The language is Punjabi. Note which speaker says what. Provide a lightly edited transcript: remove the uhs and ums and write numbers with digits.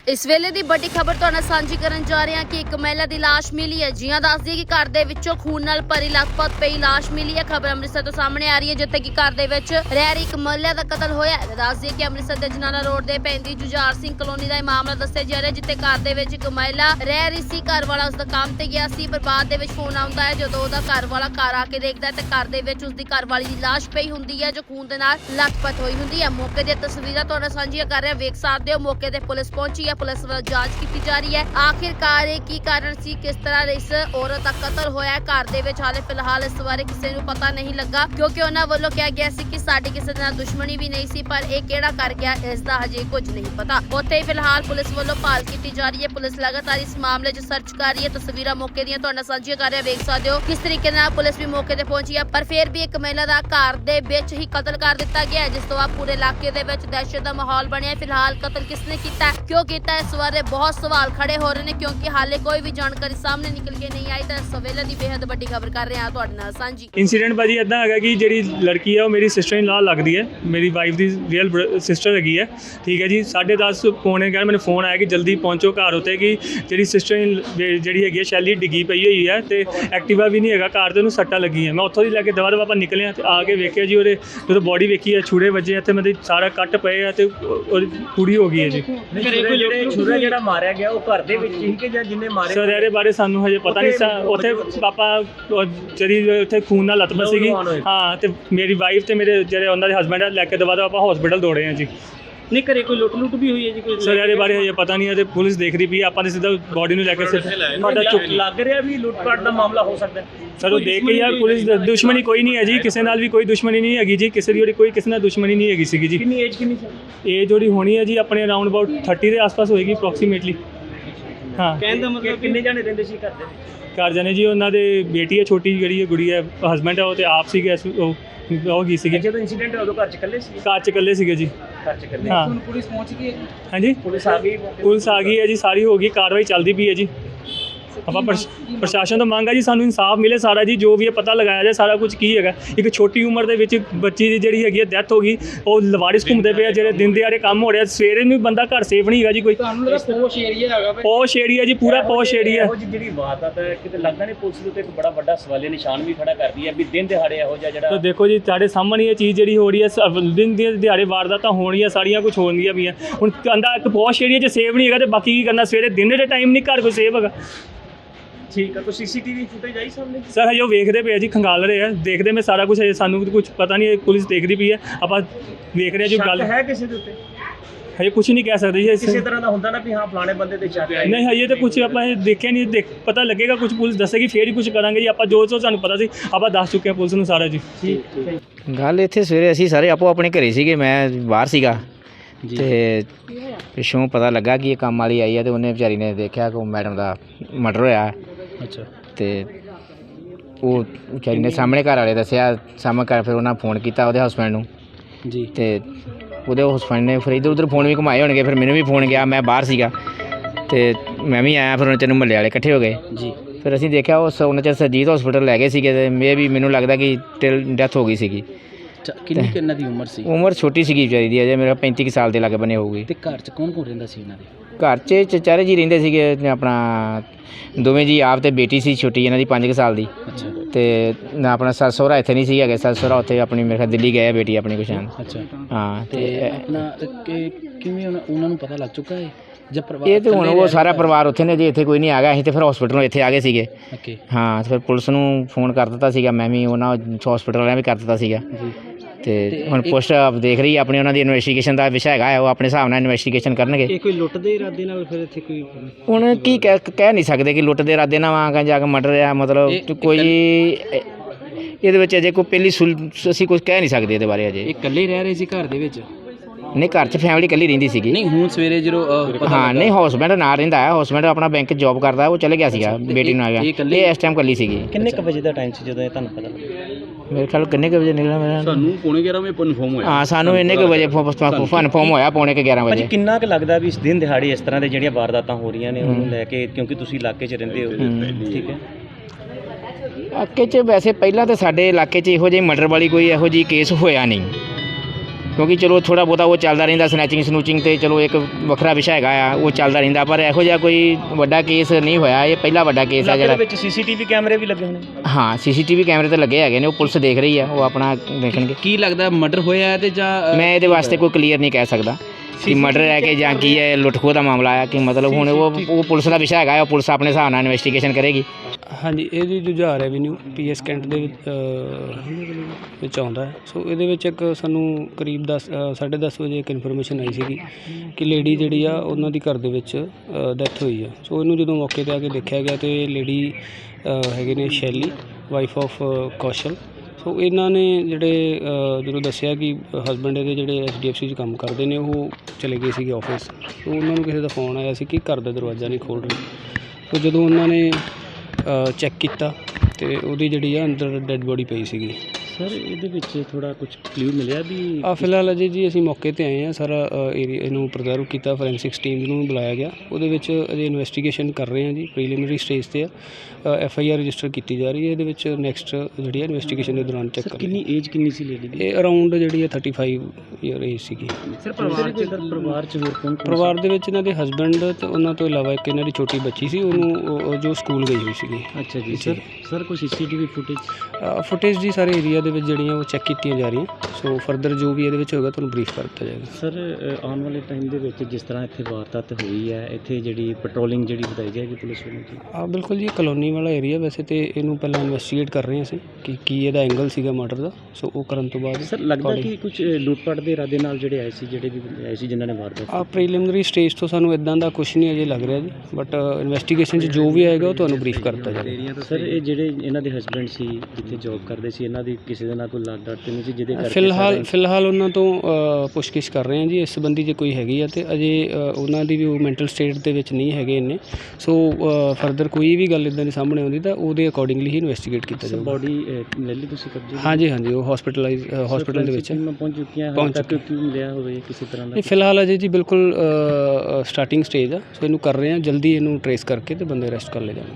Speaker 1: इस वेले दी बड़ी खबर तुहाडे साझी करन जा रहे हैं कि एक महिला की लाश मिली है। जियां दस दी कि घर दे विचों खून नाल भरी लथपथ पई लाश मिली है। खबर अमृतसर तो सामने आ रही है जिथे कि घर दे विच रह रही एक महिला का कतल होया है। दस दी कि अमृतसर दे जनाला रोड दे पैंती जुझार सिंह कलोनी का मामला दस्सिया जा रहा है जिथे घर दे विच एक महिला रह रही सी। घर वाला उसका काम ते गया सी पर बाद दे विच फोन आउंदा है जदों ओहदा घर वाला घर आके देखदा है ते घर दे विच उसदी घरवाली दी लाश पई हुंदी है जो खून दे नाल लथपथ होई हुंदी है। मौके दी तस्वीरां तुहाडे साझीਆਂ कर रहे वेख सकदे हो। मौके ते पुलिस पहुंची है। पुलिस वाला जांच की जा रही है आखिरकार की कारण सी किस तरह इस औरत का कतल होया है। घर दे विच हाले फिलहाल इस बारे किसी नूं पता नहीं लगा क्योंकि उन्हां वल्लों कहा गया सी कि साडी किसी दे नाल दुश्मनी भी नहीं सी पर यह किहड़ा कर गया इसदा हजे कुछ नहीं पता। उत्थे फिलहाल पुलिस वल्लों भाल की जा रही है। पुलिस लगातार इस मामले 'च सर्च कर रही है। तस्वीरां मौके दीयां तुहाडे नाल साझीਆਂ कर रहे वेख सकदे हो किस तरीके नाल पुलिस भी मौके ते पहुंची है पर फिर भी एक महिला दा घर दे विच ही कतल कर दिता गया है जिस तो बाद पूरे इलाके दे विच दहशत दा माहौल बनया। फिलहाल कतल किसने कीता है क्यों कीता है इस बारे बहुत सवाल खड़े हो रहे हैं क्योंकि हाले कोई भी जानकारी सामने निकल के नहीं आई। तो इस वेले दी बेहद बड़ी खबर कर रहे हैं तुहाडे नाल साझी।
Speaker 2: इंसीडेंट भाजी इदा है कि जी लड़की है वो मेरी सिस्टर इन लॉ लगती है, मेरी वाइफ की रियल सिस्टर हैगी है। ठीक है जी 10:30 पौने 11 मैंने फोन आया कि जल्दी पहुँचो घर उत्ते कि जी सिस्टर इन जी है शैली डिग्गी पई हुई है तो एक्टिवा भी नहीं है घर तो सट्टा लगी है। मैं उत्थों ही लैके दवा दवा निकलिया तो आके वेखिया जी और जो बॉडी वेखी है छुरे वजे इतने मतलब सारा कट पे है तो पूरी हो गई है जी। सर ਇਹਦੇ ਬਾਰੇ ਸਾਨੂੰ ਹਜੇ ਪਤਾ ਨਹੀਂ ਸਰ। ਉੱਥੇ ਪਾਪਾ ਜਿਹੜੀ ਉੱਥੇ ਖੂਨ ਨਾਲ ਲਤਪਤ ਸੀਗੀ ਹਾਂ ਤੇ ਮੇਰੀ ਵਾਈਫ ਤੇ ਮੇਰੇ ਜਿਹੜੇ ਉਹਨਾਂ ਦੇ ਹਸਬੈਂਡ ਲੈ ਕੇ ਦਵਾ ਆਪਾਂ ਹਸਪੀਟਲ ਦੌੜੇ ਹਾਂ ਜੀ।
Speaker 3: नहीं करे कोई लुट भी हुई है जी कोई
Speaker 2: सर ਇਹਦੇ ਬਾਰੇ ਹਜੇ ਪਤਾ ਨਹੀਂ ਹੈ ਤੇ ਪੁਲਿਸ ਦੇਖ ਰਹੀ ਵੀ ਆਪਾਂ ਨੇ ਸਿੱਧਾ ਬੋਡੀ ਨੂੰ ਲੈ ਕੇ
Speaker 3: ਤੁਹਾਡਾ ਚੁੱਕ ਲੱਗ ਰਿਹਾ ਵੀ ਲੁੱਟਪਾਟ ਦਾ ਮਾਮਲਾ ਹੋ ਸਕਦਾ
Speaker 2: ਸਰ ਉਹ ਦੇਖ ਕੇ ਯਾਰ ਪੁਲਿਸ ਦੁਸ਼ਮਣੀ ਕੋਈ ਨਹੀਂ ਹੈ ਜੀ ਕਿਸੇ ਨਾਲ ਵੀ ਕੋਈ ਦੁਸ਼ਮਣੀ ਨਹੀਂ ਹੈਗੀ ਜੀ ਕਿਸੇ ਦੀ ਕੋਈ ਕਿਸੇ ਨਾਲ ਦੁਸ਼ਮਣੀ ਨਹੀਂ ਹੈਗੀ ਸੀਗੀ ਜੀ।
Speaker 3: ਕਿੰਨੀ ਏਜ ਕਿੰਨੀ ਸੀ
Speaker 2: ਏਜ ਜਿਹੜੀ ਹੋਣੀ ਹੈ ਜੀ ਆਪਣੇ ਅਰਾਊਂਡ ਅਬਾਊਟ 30 ਦੇ ਆਸ-ਪਾਸ ਹੋਏਗੀ ਅਪਰੋਕਸੀਮੇਟਲੀ। ਹਾਂ
Speaker 3: ਕਹਿਣ ਦਾ ਮਤਲਬ ਕਿੰਨੇ ਜਾਣੇ ਰਹਿੰਦੇ ਸੀ ਘਰ ਦੇ
Speaker 2: ਘਰ ਜਾਣੇ ਜੀ ਉਹਨਾਂ ਦੇ ਬੇਟੀ ਹੈ ਛੋਟੀ ਜਿਹੜੀ ਹੈ ਗੁੜੀ ਹੈ ਹਸਬੈਂਡ ਹੈ ਉਹ ਤੇ ਆਪ ਸੀਗੇ ਉਹ ਗਈ ਸੀਗੀ।
Speaker 3: ਜਦੋਂ ਇਨਸੀਡੈਂਟ ਹੋਇਆ ਉਦੋਂ ਘਰ ਚ ਇਕੱਲੇ ਸੀ
Speaker 2: ਘਰ 'ਚ ਇਕੱਲੇ ਸੀਗੇ ਜੀ।
Speaker 3: ਘਰ ਚ ਇਕੱਲੇ
Speaker 2: ਹਾਂ
Speaker 3: ਹੁਣ ਪੁਲਿਸ ਪਹੁੰਚ ਗਈ ਹੈ ਜੀ।
Speaker 2: ਹਾਂਜੀ ਪੁਲਿਸ ਆ ਗਈ ਹੈ ਜੀ ਸਾਰੀ ਹੋ ਗਈ ਕਾਰਵਾਈ ਚੱਲਦੀ ਪਈ ਹੈ ਜੀ। ਆਪਾਂ ਪ੍ਰਸ਼ਾਸਨ ਤੋਂ ਮੰਗ ਹੈ ਜੀ ਸਾਨੂੰ ਇਨਸਾਫ ਮਿਲੇ ਸਾਰਾ ਜੀ ਜੋ ਵੀ ਇਹ ਪਤਾ ਲਗਾਇਆ ਜਾਏ ਸਾਰਾ ਕੁਝ ਕੀ ਹੈਗਾ। ਇੱਕ ਛੋਟੀ ਉਮਰ ਦੇ ਵਿੱਚ ਬੱਚੀ ਦੀ ਜਿਹੜੀ ਹੈਗੀ ਹੈ ਡੈਥ ਹੋ ਗਈ ਉਹ ਲਵਾਰਿਸ ਘੁੰਮਦੇ ਪਏ ਜਿਹੜੇ ਦਿਨ ਦਿਹਾੜੇ ਕੰਮ ਹੋ ਰਿਹਾ ਸਵੇਰੇ ਨੂੰ ਬੰਦਾ ਘਰ ਸੇਫ ਨਹੀਂ ਹੈਗਾ ਜੀ ਕੋਈ।
Speaker 3: ਤੁਹਾਨੂੰ ਲੱਗਾ ਪੋਸ਼ ਏਰੀਆ ਹੈਗਾ
Speaker 2: ਪੋਸ਼ ਏਰੀਆ ਜੀ ਪੂਰਾ ਪੋਸ਼ ਏਰੀਆ।
Speaker 3: ਇਹੋ ਜਿਹੜੀ ਵਾਰਦਾਤ ਹੈ ਕਿਤੇ ਲੱਗਦਾ ਨਹੀਂ ਪੁਲਿਸ ਦੇ ਉੱਤੇ ਇੱਕ ਬੜਾ ਵੱਡਾ ਸਵਾਲੇ ਨਿਸ਼ਾਨ ਵੀ ਖੜਾ ਕਰਦੀ ਹੈ ਵੀ ਦਿਨ ਦਿਹਾੜੇ ਇਹੋ ਜਿਹਾ ਜਿਹੜਾ
Speaker 2: ਤਾਂ ਦੇਖੋ ਜੀ ਤੁਹਾਡੇ ਸਾਹਮਣੇ ਇਹ ਚੀਜ਼ ਜਿਹੜੀ ਹੋ ਰਹੀ ਹੈ ਦਿਨ ਦਿਹਾੜੇ ਵਾਰਦਾਤਾਂ ਹੋਣੀਆਂ ਸਾਰੀਆਂ ਕੁਝ ਹੋਣਗੀਆਂ ਵੀ ਹੁਣ ਕਹਿੰਦਾ ਇੱਕ ਪੋਸ਼ ਏਰੀਆ 'ਚ ਸੇਫ ਨਹੀਂ ਹੈਗਾ ਤੇ ਬਾਕੀ ਕੀ ਕਰਨਾ ਸਵੇਰੇ ਦਿਨ ਦੇ ਟਾਈਮ ਨਹੀਂ ਘਰ ਕੋਈ ਸੇਫ ਹੈਗਾ।
Speaker 3: ਠੀਕ ਹੈ ਕੋਈ ਸੀਸੀਟੀਵੀ ਫੁਟੇਜ ਆਈ ਸਾਹਮਣੇ
Speaker 2: ਸਰ ਹਜੇ ਉਹ ਵੇਖਦੇ ਪਏ ਜੀ ਖੰਗਾਲ ਰਹੇ ਆ ਦੇਖਦੇ ਮੈਂ ਸਾਰਾ ਕੁਝ ਹਜੇ ਸਾਨੂੰ ਕੁਝ ਪਤਾ ਨਹੀਂ ਪੁਲਿਸ ਦੇਖਦੀ ਪਈ ਹੈ ਆਪਾਂ ਵੇਖ ਰਹੇ ਜੋ ਗੱਲ
Speaker 3: ਹੈ ਕਿਸੇ ਦੇ ਉੱਤੇ
Speaker 2: ਹਜੇ ਕੁਝ ਨਹੀਂ ਕਹਿ ਸਕਦੇ ਜੀ
Speaker 3: ਕਿਸੇ ਤਰ੍ਹਾਂ ਦਾ ਹੁੰਦਾ ਨਾ ਵੀ ਹਾਂ ਫਲਾਣੇ ਬੰਦੇ ਤੇ ਸ਼ੱਕ ਹੈ
Speaker 2: ਨਹੀਂ ਹਜੇ ਤਾਂ ਕੁਝ ਆਪਾਂ ਦੇਖਿਆ ਨਹੀਂ ਪਤਾ ਲੱਗੇਗਾ ਕੁਝ ਪੁਲਿਸ ਦੱਸੇਗੀ ਫੇਰ ਹੀ ਕੁਝ ਕਰਾਂਗੇ ਜੀ। ਆਪਾਂ ਜੋ ਸਾਨੂੰ ਪਤਾ ਸੀ ਆਪਾਂ ਦੱਸ ਚੁੱਕੇ ਹਾਂ ਪੁਲਿਸ ਨੂੰ ਸਾਰਾ ਜੀ।
Speaker 4: ਗੱਲ ਇੱਥੇ ਸਵੇਰੇ ਅਸੀਂ ਸਾਰੇ ਆਪੋ ਆਪਣੇ ਘਰੇ ਸੀਗੇ ਮੈਂ ਬਾਹਰ ਸੀਗਾ ਤੇ ਪਿੱਛੋਂ ਪਤਾ ਲੱਗਾ ਕਿ ਇਹ ਕੰਮ ਵਾਲੀ ਆਈ ਹੈ ਤੇ ਉਹਨੇ ਵਿਚਾਰੀ ਨੇ ਦੇਖਿਆ ਕਿ ਮੈਡਮ ਦਾ ਮਰਡਰ ਹੋਇਆ।
Speaker 3: ਅੱਛਾ ਤੇ
Speaker 4: ਉਹ ਵਿਚਾਰੀ ਨੇ ਸਾਹਮਣੇ ਘਰ ਵਾਲੇ ਦੱਸਿਆ ਸਾਹਮਣੇ ਘਰ ਫਿਰ ਉਹਨਾਂ ਫੋਨ ਕੀਤਾ ਉਹਦੇ ਹਸਬੈਂਡ ਨੂੰ
Speaker 3: ਜੀ ਤੇ
Speaker 4: ਉਹਦੇ ਹਸਬੈਂਡ ਨੇ ਫਿਰ ਇੱਧਰ ਉੱਧਰ ਫੋਨ ਵੀ ਘੁਮਾਏ ਹੋਣਗੇ ਫਿਰ ਮੈਨੂੰ ਵੀ ਫੋਨ ਗਿਆ ਮੈਂ ਬਾਹਰ ਸੀਗਾ ਤੇ ਮੈਂ ਵੀ ਆਇਆ ਫਿਰ ਉਹਨਾਂ ਚਿਰ ਮੁਹੱਲੇ ਵਾਲੇ ਇਕੱਠੇ ਹੋ ਗਏ ਜੀ। ਫਿਰ ਅਸੀਂ ਦੇਖਿਆ ਉਹਨਾਂ ਚਿਰ ਸਰਜੀਤ ਹਸਪੀਟਲ ਲੈ ਗਏ ਸੀਗੇ ਤੇ ਮੈਨੂੰ ਲੱਗਦਾ ਕਿ ਡੈਥ ਹੋ ਗਈ ਸੀਗੀ।
Speaker 3: ਕਿੰਨਾ ਦੀ ਉਮਰ ਸੀ?
Speaker 4: ਉਮਰ ਛੋਟੀ ਸੀਗੀ ਵਿਚਾਰੀ ਦੀ ਅਜੇ ਮੇਰਾ 35 ਸਾਲ ਦੇ ਲਾਗੇ ਬਣੇ ਹੋਊਗੀ।
Speaker 3: ਤੇ ਘਰ 'ਚ ਕੌਣ ਰਹਿੰਦਾ ਸੀ ਇਹਨਾਂ ਦੇ?
Speaker 4: ਘਰ 'ਚ ਚਚਾਰੇ ਜੀ ਰਹਿੰਦੇ ਸੀਗੇ ਆਪਣਾ ਦੋਵੇਂ ਜੀ ਆਪ ਤੇ ਬੇਟੀ ਸੀ ਛੋਟੀ ਇਹਨਾਂ ਦੀ 5 ਸਾਲ ਦੀ।
Speaker 3: ਅੱਛਾ ਤੇ
Speaker 4: ਆਪਣਾ ਸੱਸ ਸਹੁਰਾ ਇੱਥੇ ਨਹੀਂ ਸੀ ਹੈਗੇ ਸੱਸ ਸਹੁਰਾ ਉੱਥੇ ਆਪਣੀ ਮੇਰੇ ਖਿਆਲ ਦਿੱਲੀ ਗਏ ਆ ਬੇਟੀ ਆਪਣੀ ਕੁਛ।
Speaker 3: ਅੱਛਾ
Speaker 4: ਹਾਂ ਤੇ
Speaker 3: ਆਪਣਾ ਕਿਵੇਂ ਉਹਨਾਂ ਨੂੰ ਪਤਾ ਲੱਗ ਚੁੱਕਾ ਹੈ ਜਾਂ ਪਰਿਵਾਰ
Speaker 4: ਇਹ ਤਾਂ ਹੁਣ ਉਹ ਸਾਰਾ ਪਰਿਵਾਰ ਉੱਥੇ ਨੇ ਜੀ ਇੱਥੇ ਕੋਈ ਨਹੀਂ ਆ ਗਿਆ ਅਸੀਂ ਤਾਂ ਫਿਰ ਹਸਪੀਟਲੋਂ ਇੱਥੇ ਆ ਗਏ ਸੀਗੇ।
Speaker 3: ਓਕੇ ਹਾਂ
Speaker 4: ਫਿਰ ਪੁਲਿਸ ਨੂੰ ਫੋਨ ਕਰ ਦਿੱਤਾ ਸੀਗਾ ਮੈਂ ਵੀ ਉਹਨਾਂ ਹਸਪੀਟਲ ਵਾਲਿਆਂ ਵੀ ਕਰ ਦਿੱਤਾ ਸੀਗਾ ਤੇ ਹੁਣ ਪੁਲਿਸ ਦੇਖ ਰਹੀ ਆਪਣੀ ਉਹਨਾਂ ਦੀ ਇਨਵੈਸਟੀਗੇਸ਼ਨ ਦਾ ਵਿਸ਼ਾ ਹੈਗਾ ਉਹ ਆਪਣੇ ਹਿਸਾਬ ਨਾਲ ਇਨਵੈਸਟੀਗੇਸ਼ਨ ਕਰਨਗੇ।
Speaker 3: ਇਹ ਕੋਈ ਲੁੱਟ ਦੇ ਇਰਾਦੇ ਨਾਲ ਫਿਰ ਇੱਥੇ ਕੋਈ
Speaker 4: ਹੁਣ ਕੀ ਕਹਿ ਨਹੀਂ ਸਕਦੇ ਕਿ ਲੁੱਟ ਦੇ ਇਰਾਦੇ ਨਾਲ ਵਾਂ ਜਾ ਕੇ ਮਰਡਰ ਆ ਮਤਲਬ ਕੋਈ ਇਹਦੇ ਵਿੱਚ ਅਜੇ ਕੋਈ ਪਹਿਲੀ ਅਸੀਂ ਕੁਝ ਕਹਿ ਨਹੀਂ ਸਕਦੇ ਇਹਦੇ ਬਾਰੇ ਅਜੇ।
Speaker 3: ਇਹ ਇਕੱਲੇ ਰਹਿ ਰਹੇ ਸੀ ਘਰ ਦੇ ਵਿੱਚ?
Speaker 4: ਨਹੀਂ ਘਰ 'ਚ ਫੈਮਿਲੀ ਇਕੱਲੀ ਰਹਿੰਦੀ ਸੀਗੀ।
Speaker 3: ਨਹੀਂ ਹੁਣ ਸਵੇਰੇ ਜਦੋਂ
Speaker 4: ਹਾਂ ਨਹੀਂ ਹਸਬੈਂਡ ਨਾਲ ਰਹਿੰਦਾ ਹੈ ਹਸਬੈਂਡ ਆਪਣਾ ਬੈਂਕ ਜੋਬ ਕਰਦਾ ਉਹ ਚਲੇ ਗਿਆ ਸੀਗਾ ਬੇਟੀ ਨੂੰ ਆ ਗਿਆ ਇਹ ਇਸ ਟਾਈਮ ਇਕੱਲੀ ਸੀਗੀ।
Speaker 3: ਕਿੰਨੇ ਕੁ ਵਜੇ ਦਾ ਟਾਈਮ ਸੀ ਜਦੋਂ ਇਹ ਤੁਹਾਨੂੰ ਪਤਾ ਲੱਗਾ?
Speaker 4: ਮੇਰੇ ਖਿਆਲ ਕਿੰਨੇ ਕੁ ਵਜੇ ਨਿਕਲਿਆ ਮੇਰਾ
Speaker 3: ਸਾਨੂੰ ਪੌਣੇ 11 ਵਜੇ ਕਨਫਰਮ ਹੋਇਆ। ਹਾਂ
Speaker 4: ਸਾਨੂੰ ਇੰਨੇ ਕੁ ਵਜੇ ਕਨਫਰਮ ਹੋਇਆ ਪੌਣੇ 11 ਵਜੇ।
Speaker 3: ਕਿੰਨਾ ਕੁ ਲੱਗਦਾ ਵੀ ਇਸ ਦਿਨ ਦਿਹਾੜੇ ਇਸ ਤਰ੍ਹਾਂ ਦੇ ਜਿਹੜੀਆਂ ਵਾਰਦਾਤਾਂ ਹੋ ਰਹੀਆਂ ਨੇ ਉਹਨੂੰ ਲੈ ਕੇ ਕਿਉਂਕਿ ਤੁਸੀਂ ਇਲਾਕੇ 'ਚ ਰਹਿੰਦੇ ਹੋ ਠੀਕ ਹੈ ਇਲਾਕੇ 'ਚ ਵੈਸੇ ਪਹਿਲਾਂ ਤਾਂ ਸਾਡੇ ਇਲਾਕੇ 'ਚ ਇਹੋ ਜਿਹੀ ਮਰਡਰ ਵਾਲੀ ਕੋਈ ਇਹੋ ਜਿਹੀ ਕੇਸ ਹੋਇਆ ਨਹੀਂ
Speaker 4: ਕਿਉਂਕਿ ਚਲੋ ਥੋੜਾ ਬਹੁਤਾ ਉਹ ਚੱਲਦਾ ਰਹਿੰਦਾ, ਸਨੈਚਿੰਗ ਸਨੂਚਿੰਗ ਤੇ ਚਲੋ ਇੱਕ ਵੱਖਰਾ ਵਿਸ਼ਾ ਹੈਗਾ ਆ, ਉਹ ਚੱਲਦਾ ਰਹਿੰਦਾ, ਪਰ ਇਹੋ ਜਿਹਾ ਕੋਈ ਵੱਡਾ ਕੇਸ ਨਹੀਂ ਹੋਇਆ। ਇਹ ਪਹਿਲਾ ਵੱਡਾ ਕੇਸ ਆ
Speaker 3: ਇਲਾਕੇ
Speaker 4: ਜਿਹੜਾ।
Speaker 3: ਦੇ ਵਿੱਚ ਸੀਸੀਟੀਵੀ ਕੈਮਰੇ ਵੀ ਲੱਗੇ ਹੋਣੇ?
Speaker 4: ਹਾਂ, ਸੀਸੀਟੀਵੀ ਕੈਮਰੇ ਤਾਂ ਲੱਗੇ ਹੈਗੇ ਨੇ, ਉਹ ਪੁਲਿਸ ਦੇਖ ਰਹੀ ਆ, ਉਹ ਆਪਣਾ ਦੇਖਣਗੇ।
Speaker 5: ਕੀ ਲੱਗਦਾ ਮਰਡਰ ਹੋਇਆ ਤੇ ਜਾਂ
Speaker 4: ਮੈਂ ਇਹਦੇ ਵਾਸਤੇ ਕੋਈ ਕਲੀਅਰ ਨਹੀਂ ਕਹਿ ਸਕਦਾ ਕਿ ਮਰਡਰ ਹੈ ਕਿ ਜਾਂ ਕੀ ਹੈ, ਲੁੱਟ ਖੋਹ ਦਾ ਮਾਮਲਾ ਆ ਕਿ ਮਤਲਬ ਹੁਣ ਉਹ ਪੁਲਿਸ ਦਾ ਵਿਸ਼ਾ ਹੈਗਾ, ਉਹ ਪੁਲਿਸ ਆਪਣੇ ਹਿਸਾਬ ਨਾਲ ਇਨਵੈਸਟੀਗੇਸ਼ਨ ਕਰੇਗੀ।
Speaker 6: ਹਾਂਜੀ, ਇਹਦੀ ਜੁਝਾਰ ਰੈਵਨਿਊ ਪੀਐਸ ਕੈਂਟ ਦੇ ਵਿੱਚ ਆਉਂਦਾ ਹੈ। ਸੋ ਇਹਦੇ ਵਿੱਚ ਇੱਕ ਸਾਨੂੰ ਕਰੀਬ 10:30 ਵਜੇ ਇੱਕ ਇਨਫੋਰਮੇਸ਼ਨ ਆਈ ਸੀਗੀ ਕਿ ਲੇਡੀ ਜਿਹੜੀ ਆ ਉਹਨਾਂ ਦੀ ਘਰ ਦੇ ਵਿੱਚ ਡੈਥ ਹੋਈ ਆ। ਸੋ ਇਹਨੂੰ ਜਦੋਂ ਮੌਕੇ 'ਤੇ ਆ ਕੇ ਦੇਖਿਆ ਗਿਆ ਤੇ ਲੇਡੀ ਹੈਗੇ ਨੇ ਸ਼ੈਲੀ, ਵਾਈਫ ਆਫ ਕੌਸ਼ਲ। ਸੋ ਇਹਨਾਂ ਨੇ ਜਿਹੜੇ ਜਦੋਂ ਦੱਸਿਆ ਕਿ ਹਸਬੈਂਡ ਇਹਦੇ ਜਿਹੜੇ HDFC 'ਚ ਕੰਮ ਕਰਦੇ ਨੇ, ਉਹ ਚਲੇ ਗਏ ਸੀਗੇ ਆਫਿਸ। ਸੋ ਉਹਨਾਂ ਨੂੰ ਕਿਸੇ ਦਾ ਫੋਨ ਆਇਆ ਸੀ ਕਿ ਘਰ ਦਾ ਦਰਵਾਜ਼ਾ ਨਹੀਂ ਖੋਲ੍ਹ ਰਹੇ। ਸੋ ਜਦੋਂ ਉਹਨਾਂ ਨੇ ਚੈੱਕ ਕੀਤਾ ਤੇ ਉਹਦੀ ਜਿਹੜੀ ਆ ਅੰਦਰ ਡੈੱਡ ਬੋਡੀ ਪਈ ਸੀਗੀ।
Speaker 3: ਸਰ ਇਹਦੇ ਵਿੱਚ ਥੋੜਾ ਕੁਝ ਕਲੂ ਮਿਲਿਆ ਵੀ?
Speaker 6: ਫਿਲਹਾਲ ਅਜੇ ਜੀ ਅਸੀਂ ਮੌਕੇ 'ਤੇ ਆਏ ਹਾਂ, ਸਾਰਾ ਏਰੀਆ ਇਹਨੂੰ ਪ੍ਰੀਜ਼ਰਵ ਕੀਤਾ, ਫੋਰੈਂਸਿਕਸ ਟੀਮ ਨੂੰ ਬੁਲਾਇਆ ਗਿਆ। ਉਹਦੇ ਵਿੱਚ ਅਜੇ ਇਨਵੈਸਟੀਗੇਸ਼ਨ ਕਰ ਰਹੇ ਹਾਂ ਜੀ, ਪ੍ਰੀਲਿਮਿਨਰੀ ਸਟੇਜ 'ਤੇ ਆ। FIR ਰਜਿਸਟਰ ਕੀਤੀ ਜਾ ਰਹੀ ਹੈ। ਇਹਦੇ ਵਿੱਚ ਨੈਕਸਟ ਜਿਹੜੀ ਹੈ ਇਨਵੈਸਟੀਗੇਸ਼ਨ ਦੇ ਦੌਰਾਨ ਚੈੱਕ ਕਰਾਂਗੇ।
Speaker 3: ਕਿੰਨੀ ਏਜ ਕਿੰਨੀ ਸੀ ਲੇਡੀ ਦੀ?
Speaker 6: ਇਹ ਅਰਾਊਂਡ ਜਿਹੜੀ ਹੈ 35 ਈਅਰ ਏਜ ਸੀਗੀ।
Speaker 3: ਸਰ ਪਰਿਵਾਰ 'ਚ ਹੋਰ ਕੌਣ?
Speaker 6: ਪਰਿਵਾਰ ਦੇ ਵਿੱਚ ਇਹਨਾਂ ਦੇ ਹਸਬੈਂਡ ਤੇ ਉਹਨਾਂ ਤੋਂ ਇਲਾਵਾ ਇੱਕ ਇਹਨਾਂ ਦੀ ਛੋਟੀ ਬੱਚੀ ਸੀ, ਉਹਨੂੰ ਜੋ ਸਕੂਲ ਗਈ ਹੋਈ ਸੀਗੀ।
Speaker 3: ਅੱਛਾ ਜੀ। ਸਰ ਕੋਈ CCTV
Speaker 6: ਫੁਟੇਜ ਜੀ ਸਾਰੇ ਏਰੀਆ ਦੇ ਵਿੱਚ ਜਿਹੜੀਆਂ ਉਹ ਚੈੱਕ ਕੀਤੀਆਂ ਜਾ ਰਹੀਆਂ। ਸੋ ਫਰਦਰ ਜੋ ਵੀ ਇਹਦੇ ਵਿੱਚ ਹੋਏਗਾ ਤੁਹਾਨੂੰ ਬਰੀਫ ਕਰ ਦਿੱਤਾ ਜਾਏਗਾ।
Speaker 3: ਸਰ ਆਉਣ ਵਾਲੇ ਟਾਈਮ ਦੇ ਵਿੱਚ ਜਿਸ ਤਰ੍ਹਾਂ ਇੱਥੇ ਵਾਰਦਾਤ ਹੋਈ ਹੈ, ਇੱਥੇ ਜਿਹੜੀ ਪੈਟਰੋਲਿੰਗ ਜਿਹੜੀ ਵਧਾਈ ਜਾਏਗੀ ਪੁਲਿਸ ਵੱਲੋਂ ਜੀ?
Speaker 6: ਬਿਲਕੁਲ ਜੀ, ਕਲੋਨੀ ਵਾਲਾ ਏਰੀਆ ਵੈਸੇ ਤੇ ਇਹਨੂੰ ਪਹਿਲਾਂ ਇਨਵੈਸਟੀਗੇਟ ਕਰ ਰਹੇ ਹਾਂ ਅਸੀਂ ਕਿ ਕੀ ਇਹਦਾ ਐਂਗਲ ਸੀਗਾ ਮਰਡਰ ਦਾ। ਸੋ ਉਹ ਕਰਨ ਤੋਂ ਬਾਅਦ
Speaker 3: ਸਰ ਲੱਗਦਾ ਕਿ ਕੁਝ ਲੁੱਟਪਾਟ ਦੇ ਇਰਾਦੇ ਨਾਲ ਜਿਹੜੇ ਆਏ ਸੀ ਜਿਨ੍ਹਾਂ ਨੇ ਵਾਰਦਾਤ?
Speaker 6: ਪ੍ਰੀਲਿਮਿਨਰੀ ਸਟੇਜ ਤੋਂ ਸਾਨੂੰ ਇਦਾਂ ਦਾ ਕੁਝ ਨਹੀਂ ਅਜੇ ਲੱਗ ਰਿਹਾ ਜੀ, ਬਟ ਇਨਵੈਸਟੀਗੇਸ਼ਨ 'ਚ ਜੋ ਵੀ ਆਏਗਾ ਉਹ ਤੁਹਾਨੂੰ ਬਰੀਫ ਕਰ ਦਿੱਤਾ ਜਾਏਗਾ।
Speaker 3: ਸਰ ਇਹ ਜਿਹੜੇ ਇਹਨਾਂ ਦੇ ਹਸਬੈਂਡ ਸੀ ਜਿੱਥੇ ਜੌਬ ਕਰਦੇ ਸੀ, ਇਹਨਾਂ ਦੀ ਕਿਸੇ ਦੇ ਨਾਲ ਕੋਈ ਲੱਗ ਡਾਟ ਤੇ ਨਹੀਂ ਸੀ ਜਿਹਦੇ ਕਰਕੇ?
Speaker 6: ਫਿਲਹਾਲ ਉਹਨਾਂ ਤੋਂ ਪੁੱਛਗਿੱਛ ਕਰ ਰਹੇ ਹਾਂ ਜੀ। ਇਸ ਸੰਬੰਧੀ ਜੇ ਕੋਈ ਹੈਗੀ ਆ ਤੇ ਅਜੇ ਉਹਨਾਂ ਦੀ ਵੀ ਉਹ ਮੈਂਟਲ ਸਟੇਟ ਦੇ ਵਿੱਚ ਨਹੀਂ ਹੈਗੇ ਇੰਨੇ। ਸੋ ਫਰਦਰ ਕੋਈ ਵੀ ਗੱਲ ਇਦਾਂ ਦੀ ਸਾਹਮਣੇ ਆਉਂਦੀ ਤਾਂ ਉਹਦੇ ਅਕੋਰਡਿੰਗਲੀ ਹੀ ਇਨਵੈਸਟੀਗੇਟ ਕੀਤਾ ਜਾਊਗਾ।
Speaker 3: ਬੋਡੀ ਲੈ ਲਈ ਤੁਸੀਂ ਕਬਜ਼ੇ?
Speaker 6: ਹਾਂਜੀ, ਉਹ ਹਸਪੀਟਲ ਦੇ ਵਿੱਚ
Speaker 3: ਪਹੁੰਚ ਚੁੱਕੀਆਂ? ਕਿਉਂ ਮਿਲਿਆ ਹੋਵੇ ਕਿਸੇ ਤਰ੍ਹਾਂ ਦਾ?
Speaker 6: ਨਹੀਂ, ਫਿਲਹਾਲ ਅਜੇ ਜੀ ਬਿਲਕੁਲ ਸਟਾਰਟਿੰਗ ਸਟੇਜ ਆ। ਸੋ ਇਹਨੂੰ ਕਰ ਰਹੇ ਹਾਂ, ਜਲਦੀ ਇਹਨੂੰ ਟਰੇਸ ਕਰਕੇ ਤੇ ਬੰਦੇ ਅਰੈਸਟ ਕਰ ਲਏ ਜਾਣਗੇ।